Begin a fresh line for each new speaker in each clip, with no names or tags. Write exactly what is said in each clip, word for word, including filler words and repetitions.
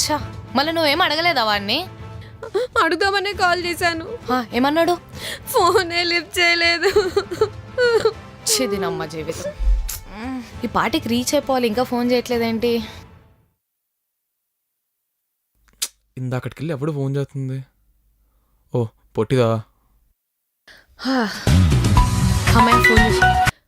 ఛా, మళ్ళీ నువ్వేం అడగలేదా వాడిని?
అడుగుదామనే కాల్ చేశాను,
ఆ, ఏమన్నాడు?
ఫోనే లిఫ్ట్ చేయలేదు.
చిదినమ్మ జీవితం. ఈ పాటికి రీచ్ అయిపోవాలి, ఇంకా ఫోన్ చేయట్లేదేంటి?
ఇందాకటికి వెళ్ళి ఎవడు ఫోన్ చేస్తుంది? ఓ పొట్టిదా.
అమ్మాయి ఫోన్ చేసి,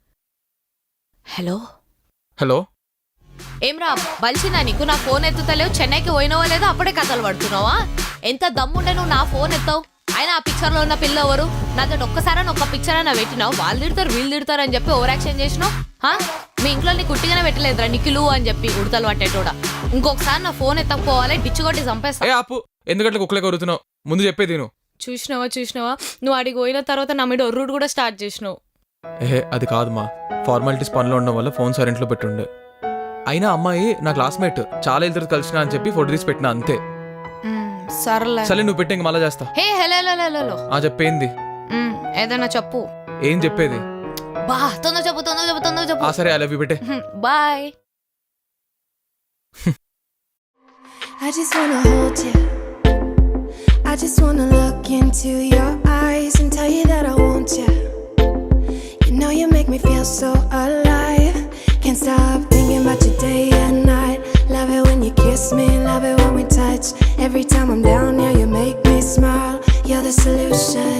హలో
హలో,
ఏమ్రా బలిసిందా నీకు? నా ఫోన్ ఎత్తుతలేవు, చెన్నైకి పోయినావో లేదో అప్పుడే కథలు పడుతున్నావా? ఎంత దమ్ముండే నువ్వు నా ఫోన్ ఎత్తావు? అయినా ఆ పిక్చర్లో ఉన్న పిల్ల ఎవరు? నాతో ఒక్కసారి ఒక్క పిక్చర్ అయినా పెట్టినావు, వాళ్ళు తిడతారు వీళ్ళు తిడతారు అని చెప్పి ఓవర్ యాక్షన్ చేసినావు. మీ ఇంట్లో నీ కుట్టిగానే పెట్టలేదురా నిఖిలు అని చెప్పి ఉడతలు పట్టేటోడా. ఇంకొకసారి నా ఫోన్ ఎత్తకపోవాలి, డిచ్చు కొట్టి చంపేస్తా.
ఆపు, ఎందుకంటే కుక్కలే కొరుతున్నావు, ముందు చెప్పేది నువ్వు.
చూసినావా చూసినావా నువ్వు అడిగి పోయిన తర్వాత నా మీద ఒర్రుడు కూడా స్టార్ట్ చేసినావు.
ఏహే అది కాదు మా, ఫార్మాలిటీస్ పనిలో ఉండడం వల్ల ఫోన్ సైలెంట్లో పెట్టుండే. అయినా అమ్మాయి నా క్లాస్మేట్, చాలా ఇద్దరు కలిసిన అని చెప్పి ఫోటో తీసి పెట్టినా అంతే.
సర్లే
సరే నువ్వు పెట్టే మళ్ళా చేస్తా.
హే హలో హలో
ఆ చెప్పేంది?
ఏదైనా చెప్పు.
ఏం చెప్పేది?
బా తొందర చెప్పు తొందర చెప్పు తొందర చెప్పు.
ఆ సరే, ఐ లవ్ యూ పెట్టే.
Bye.
I just wanna hold you. I just wanna look into your eyes and tell you that I want you. You know you make me feel so alive. Can't stop thinking about you day and night. Love it when you kiss me, love it when we touch. Every time I'm down, yeah, you make me smile. You're the solution.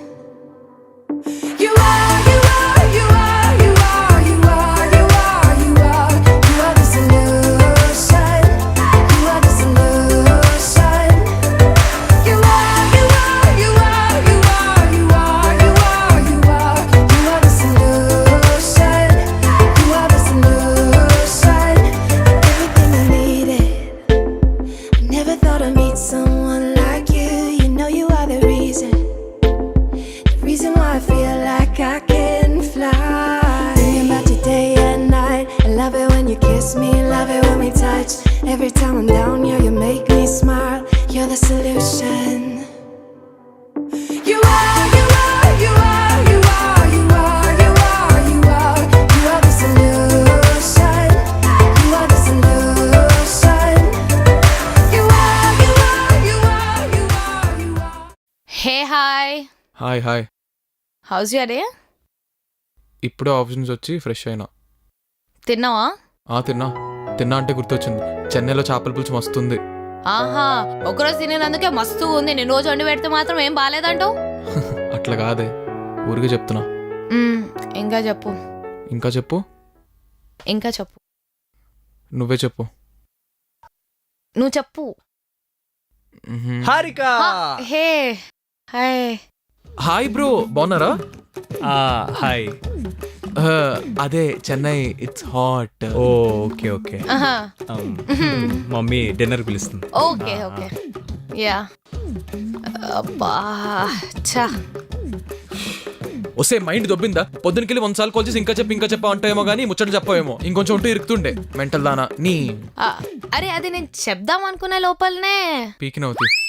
You are, you are, you are, you are, you are, you are, you are. You are the solution. You are the solution. You are, you are, you are, you are, you are, you are, you are. You are the solution. You are the solution. Everything I needed. I never thought I'd meet someone like you. You know you are the reason. The reason why I feel like I can fly. Thinking about you day and night. I love it when you kiss me, love it when we touch. Every time I'm down, yeah, you make me smile. You're the solution. You are, you are, you are, you are, you are, you are, you are. You are the solution. You are the solution. You are, you are, you are, you are, you are.
Hey hi.
Hi hi.
How's your day?
ఇప్పుడే office నుంచి వచ్చి fresh అయినా.
తిన్నావా?
ఆ తిన్నా. తిన్నా అంటే గుర్తొచ్చింది, చెన్నైలో చేపల పులుసు మస్తుంది.
ఆహా, ఒకరోజు తినేందుకే మస్తు ఉంది, నేను రోజు వండి పెడితే మాత్రం ఏం బాగాలేదంటావు?
అట్లా కాదే, ఊరికే చెప్తున్నా.
ఇంకా చెప్పు.
ఇంకా చెప్పు.
ఇంకా చెప్పు.
నువ్వే చెప్పు.
నువ్వు చెప్పు.
మ్హూ.
Harika.
Hey hi.
Hi bro, బాగున్నారా?
హాయ్.
ఆ, అదే Chennai it's hot.
Oh okay okay.
ఆహా,
మమ్మీ డిన్నర్ పిలుస్తుంది.
Okay okay yeah. అబ్బా ఛా.
వస్తే మైండ్ దొబ్బిందా? పొద్దునకెళ్ళి వంద సార్లు కాల్ చేసి ఇంకా చెప్పి ఇంకా చెప్పా అంటాయేమో కానీ ముచ్చట చెప్పవేమో. ఇంకొంచెం ఉంటూ ఇరుకుతుండే మెంటల్ దానా నీ.
ఆ, అరే అది నేను చెప్దాం అనుకునే లోపలనే
పీకినవుతి.